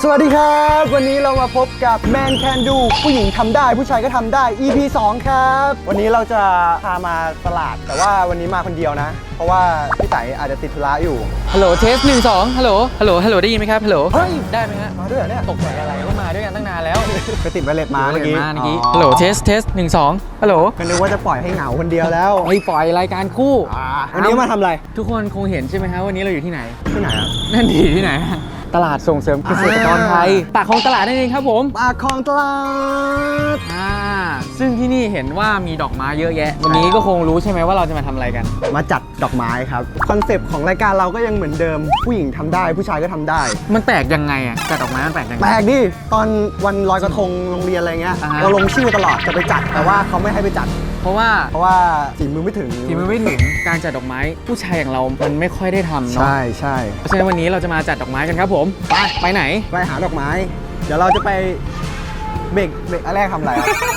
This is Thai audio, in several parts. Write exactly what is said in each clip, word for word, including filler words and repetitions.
สวัสดีครับวันนี้เรามาพบกับ Man Can Do ผู้หญิงทำได้ผู้ชายก็ทำได้ อี พี สอง ครับวันนี้เราจะพามาตลาดแต่ว่าวันนี้มาคนเดียวนะเพราะว่าพี่ไต่อาจจะติดธุระอยู่ฮัลโหลเทสหนึ่งสองฮัลโหลฮัลโหลฮัลโหลได้ยินไหมครับฮัลโหลเฮ้ยได้ไหมฮะมาด้วยเหรอเนี่ยตกใจอะไรก็มาด้วยกันตั้งนานแล้วไปติดไวเลสมาเมื่อกี้เมื่อกี้ฮัลโหลเทสเทสหนึ่งสองฮัลโหลก็นึกว่าจะปล่อยให้เหงาคนเดียวแล้วเฮ้ยปล่อยรายการคู่วันนี้มาทำอะไรทุกคนคงเห็นใช่ไหมฮะวันนี้เราอยู่ที่ไหนที่ไหนครับนั่นดีที่ไหนตลาดส่งเสริมเกษตรกรไทยปากคลองตลาดนั่นเองครับผมปากคลองตลาดอ่าซึ่งที่นี่เห็นว่ามีดอกไม้เยอะแยะวันนี้ก็คงรู้ใช่ไหมว่าเราจะมาทำอะไรกันมาจัดดอกไม้ครับคอนเซปต์ของรายการเราก็ยังเหมือนเดิมผู้หญิงทำได้ผู้ชายก็ทำได้มันแปลกยังไงอ่ะจัดดอกไม้มันแปลกยังไงแปลกดิตอนวันลอยกระทงโรงเรียนอะไรเงี้ยเราลงชื่อตลอดจะไปจัดแต่ว่าเขาไม่ให้ไปจัดเพราะว่าเพราะว่าฝีมือไม่ถึงฝีมือไม่ถึงการจัดดอกไม้ผู้ชายอย่างเรา มันไม่ค่อยได้ทำเนาะใช่ใช่เพราะฉะนั้นวันนี้เราจะมาจัดดอกไม้กันครับผมไปไปไหนไปหาดอกไม้เดี๋ยวเราจะไปเบรกเบรกอะไรทำอะไร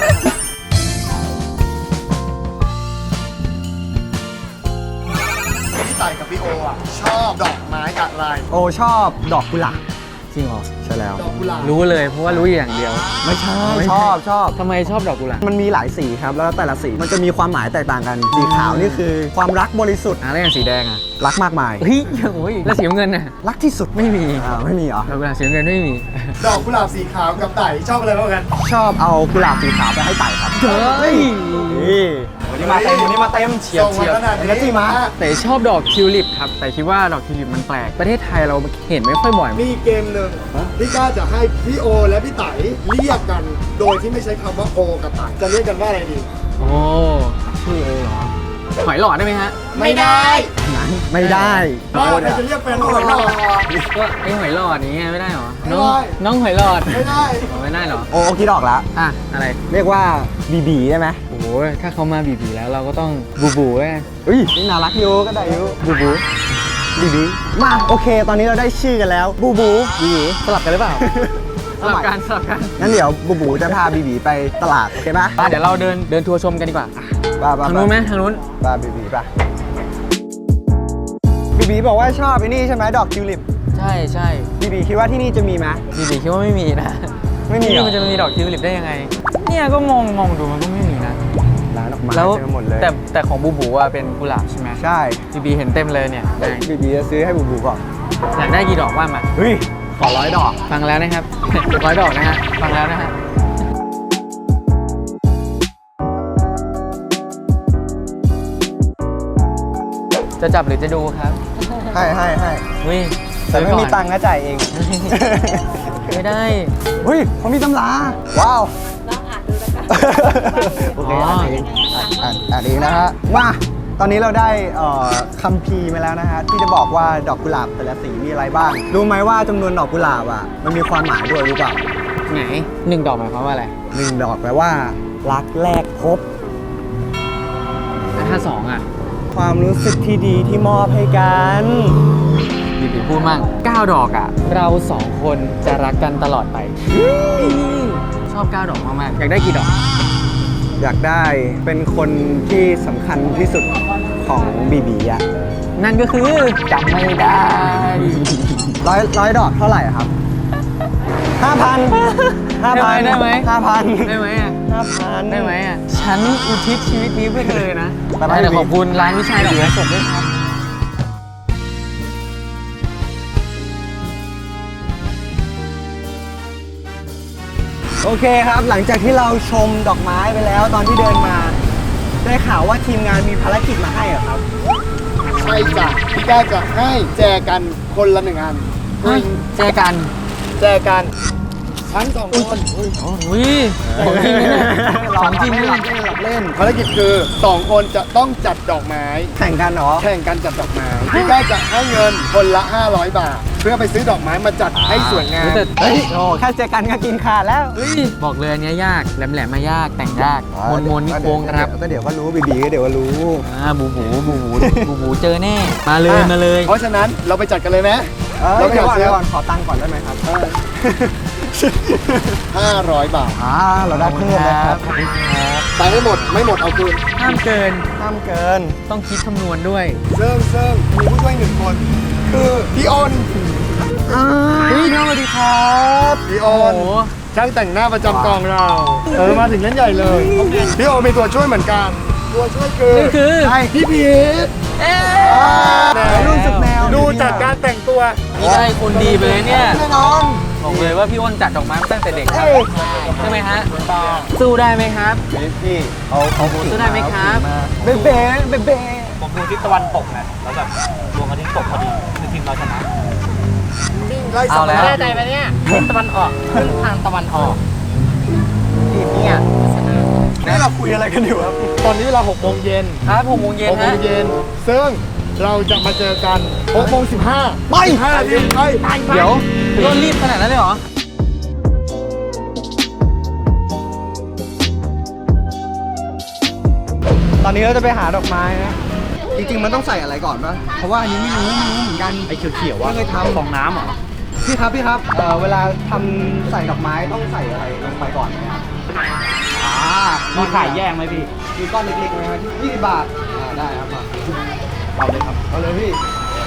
พี่ไต่กับพี่โออ่ะชอบดอกไม้อะไรโอชอบดอกกุหลาบจริงเหรอใช่แล้วดอกกุหลาบรู้เลยเพราะว่ารู้อย่างเดียวไม่ใช่ชอบชอบทำไมชอบดอกกุหลาบมันมีหลายสีครับแล้วแต่ละสีมันจะมีความหมายแตกต่างกันสีขาวนี่คือความรักบริสุทธิ์อ่ะแล้วอย่างสีแดงอ่ะรักมากมายเฮ้ยโอ้ยแล้วสีน้ำเงินน่ะรักที่สุดไม่มีอ่าไม่มีเหรอดอกกุหลาบสีน้ำเงินไม่มีดอกกุหลาบสีขาวกับไต่ชอบอะไรมากกันชอบเอากุหลาบสีขาวไปให้ไต่ครับเฮ้ยวันนี้มาเต็มวันนี้มาเต็มเฉียบเฉียบแล้วจีมาแต่ชอบดอกทิวลิปครับแต่คิดว่าดอกทิวลิปมันแปลกประเทศไทยเราเห็นไม่ค่อยบ่อยมีเกมหนึ่งพี่ก้าจะให้พี่โอและพี่ไต่เรียกกันโดยที่ไม่ใช้คำว่าโอกับไต่จะเรียกกันว่าอะไรดีโอ้ชื่อโอเหรอหอยหลอดได้ไหมฮะไม่ได้ไม่ได้บ้าใครจะเรียกแฟนว่าหอยหลอดก็ไอหอยหลอดอย่างเงี้ยไม่ได้หรอน้องน้องหอยหลอดไม่ได้ไม่ได้หรอโอ้คิดออกแล้วอ่ะอะไรเรียกว่าบีบีได้ไหมโอ้โหถ้าเขามาบีบีแล้วเราก็ต้องบูบูไงอุ้ยนี่น่ารักอยู่ก็ได้อยู่บูบูบีบีมาโอเคตอนนี้เราได้ชื่อกันแล้วบูบูบีบีสลับกันหรือเปล่าสลับกันสลับกันงั้นเดี๋ยวบูบูจะพาบีบีไปตลาดโอเคไหมเดี๋ยวเราเดินเดินทัวร์ชมกันดีกว่าทางนู้นไหมทางนู้นป่ะบีบีป่ะบีบีบอกว่าชอบไอ้นี่ใช่ไหมดอกทิวลิปใช่ใช่บีบีคิดว่าที่นี่จะมีไหมบีบีคิดว่าไม่มีนะไม่มีมันจะมีดอกทิวลิปได้ยังไงเนี่ยก็มองมองดูมันก็ไม่มีนะร้านดอกไม้เต็มหมดเลยแต่แต่ของบูบูอะเป็นกุหลาบใช่ไหมใช่บีบีเห็นเต็มเลยเนี่ยบีบีจะซื้อให้บูบูก่อนอยากได้กี่ดอกว่ามาเฮ้ยขอร้อยดอกฟังแล้วนะครับร้อยดอกนะฮะฟังแล้วนะฮะจะจับหรือจะดูครับให้ให้ให้วิแต่ไม่มีตังค์ก็จ่ายเองไม่ได้เฮ้ยเขามีตำราว้าวลองอ่านดูแล้วกันโอเคอ่านเองอ่านอ่านเองนะฮะมาตอนนี้เราได้คัมภีร์มาแล้วนะฮะที่จะบอกว่าดอกกุหลาบแต่ละสีมีอะไรบ้างรู้ไหมว่าจำนวนดอกกุหลาบอ่ะมันมีความหมายด้วยรู้เปล่าไหนหนึ่งดอกหมายความว่าอะไรหนึ่งดอกแปลว่ารักแรกพบถ้าสองอ่ะความรู้สึกที่ดีที่มอบให้กันบีบีพูดมั่งเก้าดอกอ่ะเราสองคนจะรักกันตลอดไปชอบเก้าดอกมากๆอยากได้กี่ดอกอยากได้เป็นคนที่สำคัญที่สุดของบีบีอ่ะนั่นก็คือจำไม่ได้ร้อยร้อยดอกเท่าไหร่ครับห้าพันห้าพันได้ไหมห้าพันได้ไหมอ่ะห้าพันได้ไหมอ่ะฉันอุทิศชีวิตนี้เพื่อเธอนะแต่ขอบคุณร้านวิชัยดอกไม้สดด้วยครับโอเคครับหลังจากที่เราชมดอกไม้ไปแล้วตอนที่เดินมาได้ข่าวว่าทีมงานมีภารกิจมาให้เหรอครับใช่จ้ะพี่ก้าจะให้แจกันคนละหนึ่งอันแจกันแจกันชั้นสองคนอุ้ยของจริงเลยของจริงเลยหลับเล่นภารกิจคือสองคนจะต้องจัดดอกไม้แข่งกันเหรอแข่งกันจัดดอกไม้พี่ก้าจะให้เงินคนละห้าร้อยบาทเพื่อไปซื้อดอกไม้มาจัดให้สวยงามเฮ้ยโอ้แค่เจอกันก็กินขาดแล้วบอกเลยอันนี้ยากแหลมๆมายากแต่งยากมนมนนี่โค้งครับก็เดี๋ยวก็รู้บีบีก็เดี๋ยวก็รู้อ่าบูบูบูบูบูบูเจอแน่มาเลยมาเลยเพราะฉะนั้นเราไปจัดกันเลยไหมเราไปจัดก่อนขอตังค์ก่อนได้ไหมครับห้าร้อยบาทอ่าเราได้เพิ่มเลยครับตังค์ไม่หมดไม่หมดเอาคืนห้ามเกินห้ามเกินต้องคิดคำนวณด้วยเซิ่งเซิ่งมีผู้ช่วยหนึ่งคนคือพี่อ้นพี่น้องสวัสดีครับพี่โอโอ้นโหช่างแต่งหน้าประจำกองเรา เออ มาถึงเล่นใหญ่เลย พี่โอมีตัวช่วยเหมือนกัน ตัวช่วยคือนี่คือใช่พี่พีทเอ๊ะรุ่นสุดแนวดูจากการแต่งตัวนี่ได้คนดีไปเลยเนี่ยแน่นอนบอกเลยว่าพี่อ้นจัดดอกไม้มาตั้งแต่เด็กครับเอ้ยใช่ไหมฮะสู้ได้ไหมครับพี่เอาเอาสู้ได้ไหมครับเบ๊ะเบ๊ะเบ๊ะเบ๊ะผมดูทิศตะวันตกนะแล้วแบบดวงอาทิตย์ตกพอดีคือทีมเราชนะไล่เอาแล้วสัมภาษณ์แน่ใจไหมเนี่ยตะวันออกขึ้นทางตะวันออกทีมเนี่ยชนะนี่เราคุยอะไรกันอยู่ครับตอนนี้เวลาหกโมงเย็นครับหกโมงเย็นหกโมฮะงเย็น ซึ่งเราจะมาเจอกันหกโมงสิบห้าไปห้านาทีไปไปเดี๋ยวพี่อ้นรีบขนาดนั้นเลยเหรอตอนนี้เราจะไปหาดอกไม้นะ จริงๆมันต้องใส่อะไรก่อนปะเพราะว่าอันนี้ไม่รู้ไม่รู้เหมือนกันไอ้เขียวๆว่าไม่เคยทำฟองน้ำเหรอพี่ครับพี่ครับเอ่อเวลาทำใส่ดอกไม้ต้องใส่อะไรลงไปก่อนไหมครับอ่ามีขายแยกไหมพี่มีก้อนเล็กๆไหมครับยี่สิบบาทอ่าได้ครับมาเอาเลยครับเอาเลยพี่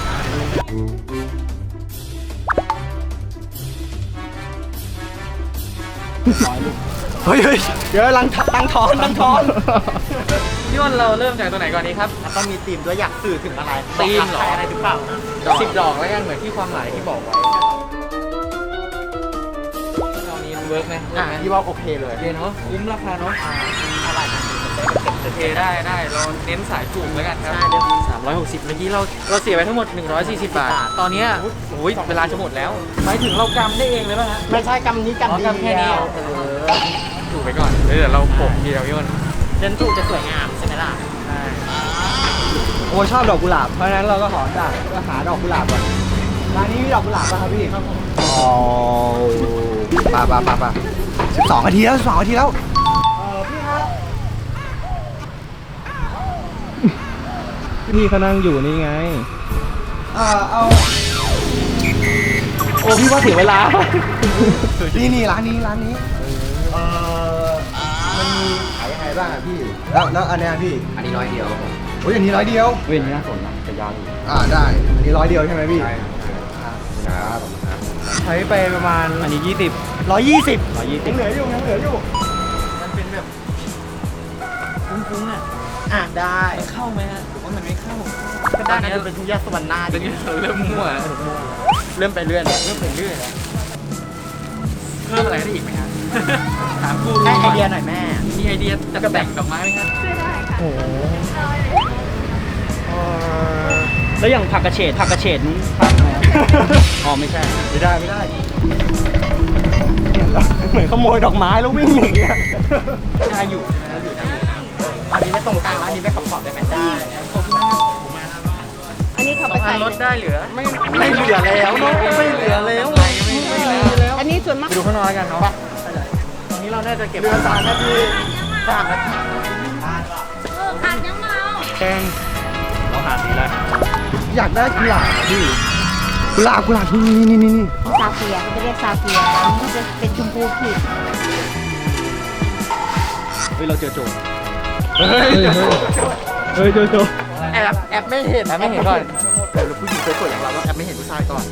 เฮ้ยเฮ้ยเดี๋ยวลังตั้งทอนตั้งทอนพี่อ้นเราเริ่มจากตัวไหนก่อนดีครับต้องมีธีมด้วยอยากสื่อถึงอะไรธีมเหรอขายอะไรหรือเปล่าสิบดอกแล้วกันเหมือนที่ความหมายที่บอกไว้ตอนนี้เวิร์กไหมเวิร์อ่ะกไหมพี่ว่าโอเคเลยโอเคเนาะคุ้มราคาเนาะอะไรนะโอเคได้ได้เราเน้นสายถูกแล้วกันครับใช่เดี๋ยวสามร้อยหกสิบเมื่อกี้เราเราเสียไปทั้งหมดหนึ่งร้อยสี่สิบบาท ตอนเนี้ยโอ้ยเวลาจะหมดแล้วหมายถึงเรากำได้เองเลยป่ะฮะไม่ใช่กำนี้อ๋อกำกำแค่นี้เดียวเออถูกไปก่อนเดี๋ยวเราโปะทีเดียวพี่อ้นเดินถูกจะสวยงามใช่ไหมล่ะได้โอ้ยชอบดอกกุหลาบ เพราะฉะนั้นเราก็ขอจากก็หาดอกกุหลาบก่อนร้านนี้มีดอกกุหลาบป่ะครับพี่ครับผมอ๋อปะปะปะปะสิบสองนาทีแล้วสิบสองนาทีแล้ว เออพี่ครับพี่เขานั่งอยู่นี่ไงเออเอาโอ้พี่ว่าเสียเวลานี่นี่ร้านนี้ร้านนี้ เออมันมีขายยังไงบ้างอะพี่ แล้วแล้วอันเนี้ยพี่อันนี้ร้อยเดียวโอ้ยอันนี้ร้อยเดียวเว้นน่าสนนะจะยาวอยู่อ่าได้ อันนี้ร้อยเดียวใช่ไหมพี่ ใช่ครับ ใช้ไปประมาณอันนี้ยี่สิบร้อยยี่สิบร้อยยี่สิยับงเหลืออยู่ยังเหลืออยู่มันเป็นแบบฟุ้งๆอ่ะอ่ะได้มันเข้าไหมฮะหรือว่ามันไม่เข้าก็ได้นะจะเป็นที่แยกสวรรค์หน้าตอนนี้เราเริ่มมั่วแล้วเริ่มไปเรื่อยแล้วเริ่มไปเรื่อยแล้วเพิ่มอะไรได้อีกไหมฮะถามกูให้ไอเดียหน่อยแม่มีไอเดียจะแต่งดอกไม้ไหมครับช่วยได้ค่ะโอ้โหเออแล้วอย่างผักกระเฉดผักกระเฉดนี้ทำไหมอ๋อไม่ใช่ไม่ได้ไม่ได้เหมือนขโมยดอกไม้แล้ววิ่งหนีอะได้อยู่ใช่ไหมอยู่ได้อยู่อันนี้ไม่ตรงกลางแล้วอันนี้ไม่ขอบขอบได้ไหมได้ขอบคุณมากผมมาอันนี้เขาสไปองอัใส่นลดได้เหลือ ไม่ไม่เหลือแล้วเนาะไม่เหลือแล้วไม่ไม่เหลือแล้วอันนี้ส่วนมากไปดูข้างนอกแล้วกันเนาะตอนนี้เราน่าจะเก็บเรือสามนาทีสามนาทีเออขาดยังเมาแกงเราหาสีอะไรอยากได้กุหลาบอะพี่กุหลาบกุหลาบนี่นี่นี่นี่ซาเฟียเขาจะเรียกซาเฟียแต่อันนี้จะเป็นชมพูขีดเฮ้ยเราเจอโจรเฮ้ยเฮ้ยเจอโจรแอบแอบไม่เห็นแต่ไม่เห็นก่อนเดี๋ยวผู้หญิงสวยๆอย่างเราต้องแอบไม่เห็นผู้ชายก่อน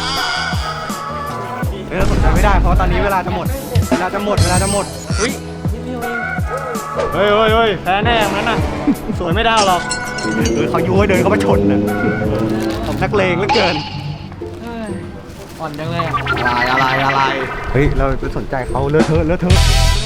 เออสนใจไม่ได้เพราะตอนนี้เวลาจะหมด เวลาจะหมดเวลาจะหมดอุ้ยนิดเดียวเองเฮ้ยเฮ้ยเฮ้ยแพ้แน่อย่างนั้นน่ะ สวยไม่ได้หรอกเออเขายุให้เดินเข้ามาชนน่ะผมนักเลงเหลือเกินเฮ้ยอ่อนจังเลยอะอะไรอะไรอะไรเฮ้ยเราไปสนใจเขาเลอะเทอะเลอะเทอะ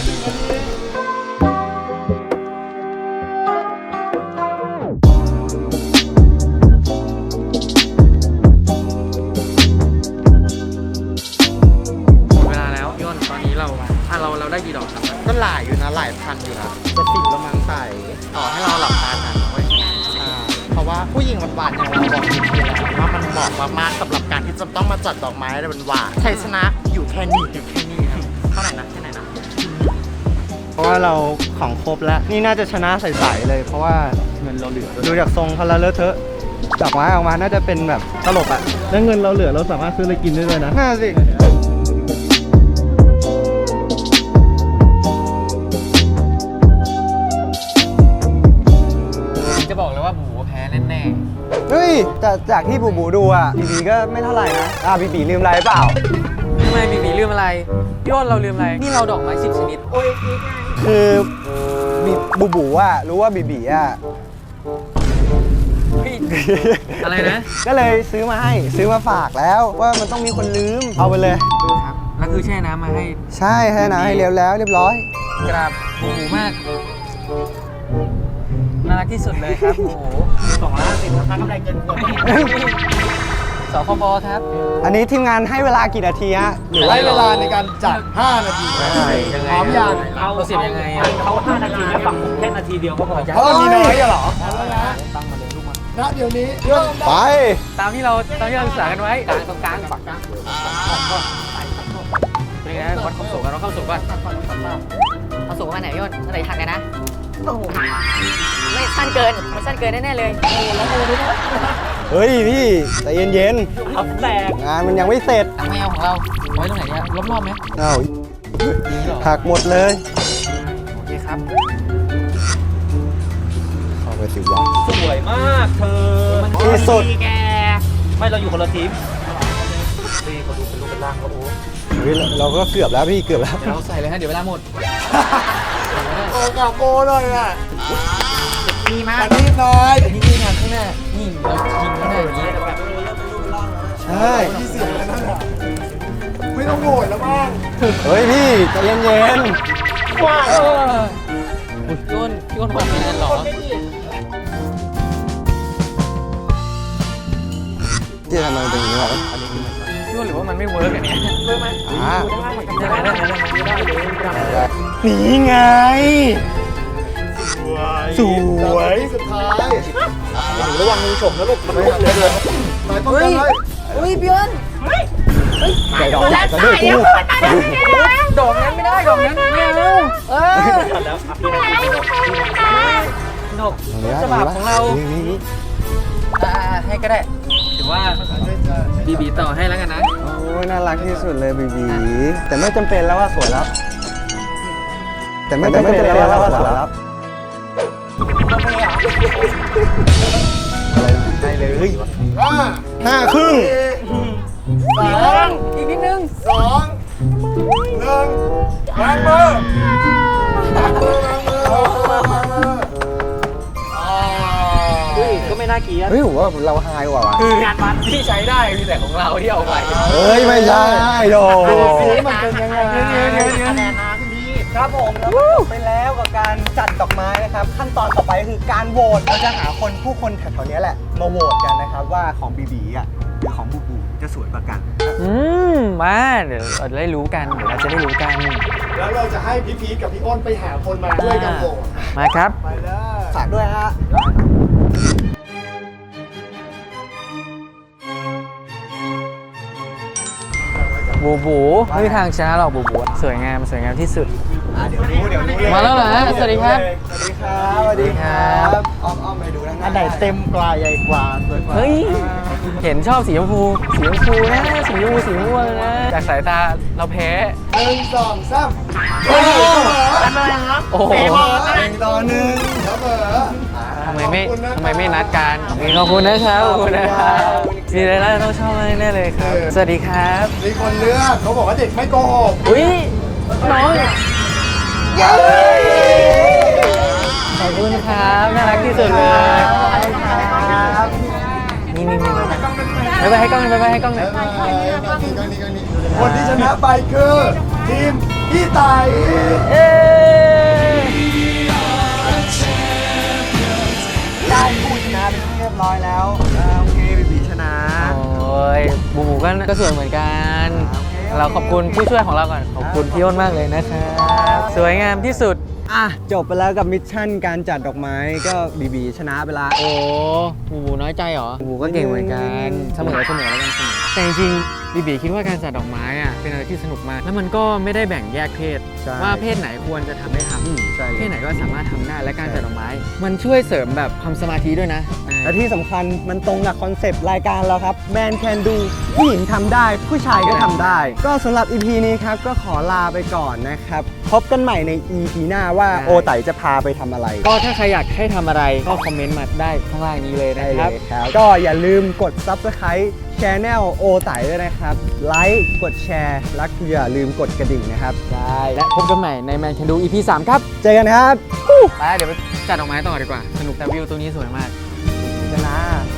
หมดเวลาแล้วย่นตอนนี้เราอ่ะเราเราได้กี่ดอกครับก็หลายอยู่นะหลายพันอยู่นะจะสิบแล้วมั้งใส่ต่อให้เราหลับตาทันเว้ยใช่เพราะว่าผู้หญิงหวานๆอย่างเราบอกจริงๆแล้วว่ามันเหมาะมากๆสำหรับการที่จะต้องมาจัดดอกไม้อะไรหวานๆชัยชนะอยู่แค่นี้อยู่แค่นี้ครับเท่าไหร่นะแค่ไหนนะเพราะว่าเราของครบแล้ว นี่น่าจะชนะใสๆเลย เพราะว่าเงินเราเหลือดูจากทรงเขาแล้วเลอะเทอะดอกไม้ออกมาน่าจะเป็นแบบตลบอ่ะแล้วเงินเราเหลือเราสามารถซื้ออะไรกินได้เลยนะน่าสิจะบอกเลยว่าบูแพ้แน่เฮ้ยแต่จากที่บูบูดูอ่ะบีบีก็ไม่เท่าไหร่นะอ่ะบีบีลืมอะไรเปล่าทำไมบีบีลืมอะไรพี่อ้นเราลืมอะไร นี่เราดอกไม้สิบชนิดคือบีบูบูอ่ะรู้ว่าบีบีอ่ะอะไรนะก็เลยซื้อมาให้ซื้อมาฝากแล้วว่ามันต้องมีคนลืมเอาไปเลยครับ แล้วคือแช่น้ำมาให้ใช่ให้นะให้เรียวแล้วเรียบร้อยกราบโอ้โหมาก น่ารักที่สุดเลยครับ โอ้โหสองล้านสิบนะคะกำไรเกินควรสคบครับอันนี้ทีมงานให้เวลากี่นาทีฮะหรือว่าให้เวลาในการจัด ห้า นาทียังไงพร้อมยังเราเสียบยังไงอ่ะเขาห้านาทีแล้วฝั่งผมแค่นาทีเดียวก็พอเพราะมันมีน้อยอะเหรอตั้งมาเลยลูกมาณเดี๋ยวนี้เริ่มไปตามที่เราตามที่เราศึกษากันไว้กลางตรงกลางฝักกลางเป็นไงวัดความสูงกันวัดความสูงก่อนเอาสูงมาไหนพี่อ้นมาไหนทันกันนะโอ้โหไม่สั้นเกินมันสั้นเกินแน่ๆเลยโอ้แล้วโอ้ด้วยนะเฮ้ยพี่ใจเย็นครับแตกๆงานมันยังไม่เสร็จตังแมวของเราไว้ตรงไหนเนี่ยรอบๆไหมเอ้านี่หรอหักหมดเลยโอเคครับเข้าไปสิวะสวยมากเธอที่สุดแกไม่เราอยู่คนละทีมนี่เขาดูเป็นรูปเป็นร่างเขาโอ้เฮ้ยเราก็เกือบแล้วพี่เกือบแล้วเดี๋ยวเราใส่เลยฮะเดี๋ยวเวลาหมดโอ้กับโกเลยอ่ะมีมาอันนี้น้อยนี่นี่ทางข้างหน้า นี่เรายิงข้างหน้าอย่างนี้ใช่ที่เสียงนั่นน่ะไม่ต้องโหวตแล้วบ้างเฮ้ยพี่ใจเย็นว้าวพี่อ้นพี่อ้นบอกเป็นกันเหรอๆที่ทำไมมันเป็นอย่างนี้วะพี่อ้นหรือว่ามันไม่เวิร์กอันเนี้ยเวิร์กไหมอ่าได้ได้ได้ได้ได้นี่ไง สวยสุดท้ายระวังงูฉกนะลูกมันลุกเลยเลยหมายป้องกันไว้อุ้ยพี่อ้นใจดอกจะด้วยกูดอกนั้นไม่ได้ดอกนั้นไม่เอาเออแล้วอ่ะพี่นาทีนกดอกฉบับของเรานี่นี่อ่าให้ก็ได้ถือว่าบีบีต่อให้แล้วกันนะโอ้ยน่ารักที่สุดเลยบีบีแต่ไม่จำเป็นแล้วว่าสวยแล้ว แต่ไม่จำเป็นแล้วว่าสวยแล้วอะไรได้เลยห้าห้าครึ่งสามอีกนิดนึงสองหนึ่งวางมือวางมือวางมือวางมืออ่าเฮ้ยก็ไม่น่าเกลียดเฮ้ยผมว่าเราไฮกว่าว่ะคืองานมันที่ใช้ได้มีแต่ของเราที่เอาไปเฮ้ย ไม่ใช่โดดูสิมันเป็นยังไงคะแนนนะคุณพี่ครับผมแล้วก็จบไปแล้วกับการจัดดอกไม้นะครับ ขั้นตอนต่อไปคือการโหวตเราจะหาคนผู้คนแถวๆนี้แหละ มาโหวตกันนะครับ ว่าของบีบีอ่ะหรือของบูบูจะสวยกว่ากันอืมมาเดี๋ยวเราจะได้รู้กันเดี๋ยวเราจะได้รู้กันแล้วเราจะให้พี่พีทกับพี่อ้นไปหาคนมาช่วยกันโหวตมาครับไปเลยฝากด้วยฮะบูบูไม่มีทางชนะหรอกบูบูสวยงามสวยงามที่สุดอ่ะเดี๋ยวรู้เดี๋ยวรู้เลยมาแล้วเหรอฮะสวัสดีครับสวัสดีครับ สวัสดีครับอ้อมอ้อมไปดูนะอันไหนเต็มปลายใหญ่กว่าสวยกว่าเฮ้ย เห็นชอบสีชมพู สีชมพูนะ สีชมพูสีม่วงนะ จากสายตาเราแพ้หนึ่งสองสามโอ้โหโอ้โหหนึ่งต่อหนึ่งเสมอทำไมไม่ขอบคุณนะครับทำไมไม่นัดกันขอบคุณนะครับขอบคุณนะครับมีอะไรน่าต้องชอบแน่เลยครับ สวัสดีครับมีคนเลือกเขาบอกว่าเด็กไม่โกหกอุ้ยน้องขอบคุณครับน่ารักที่สุดเลยนี่นี่นี่ไปไปให้กล้องหน่อยไปไปให้กล้องหน่อยคนที่ชนะไปคือทีมพี่ไต่เอ้ยได้ผู้ชนะเป็นที่เรียบร้อยแล้วอ่าโอเคบีบีชนะโอ้ยบูบูก็ก็สวยเหมือนกัน เราขอบคุณผู้ช่วยของเราก่อนขอบคุณพี่อ้นมากเลยนะครับสวยงามที่สุดอ่ะ จบไปแล้วกับมิชชั่นการจัดดอกไม้ก็บีบีชนะไปละโอ้บูบูน้อยใจเหรอบูบูก็เก่งเหมือนกันเสมอเสมอแล้วกันเสมอแต่จริงๆบีบีคิดว่าการจัดดอกไม้อ่ะเป็นอะไรที่สนุกมาก แล้วมันก็ไม่ได้แบ่งแยกเพศใช่ว่าเพศไหนควรจะทำได้ทอืมใช่ำเลเพศยไหนก็สามารถทำได้และการจัดดอกไม้ มันช่วยเสริมแบบความสมาธิด้วยนะและที่สำคัญมันตรงกับคอนเซปต์รายการเราครับ Man Can Do ผู้หญิงทำได้ ผู้ชายก็ทำได้ ก็สำหรับ อี พี นี้ครับ ก็ขอลาไปก่อนนะครับ พบกันใหม่ใน อี พี หน้าว่าโอไตจะพาไปทำอะไรก็ถ้าใครอยากให้ทำอะไรก็คอมเมนต์มาได้ข้างล่างนี้เลยได้นะเลครับยครับ ก็อย่าลืมกด Subscribe Channel โอไตด้วยนะครับ ไลค์กดแชร์ และอย่าลืมกดกระดิ่งนะครับได้และพบกันใหม่ใน Man Can Do อี พี สามครับเจอกันครับไปเดี๋ยวไปจัดดอกไม้ต่อดีกว่า สนุกแต่วิวตรงนี้สวยมากเจอกันนะ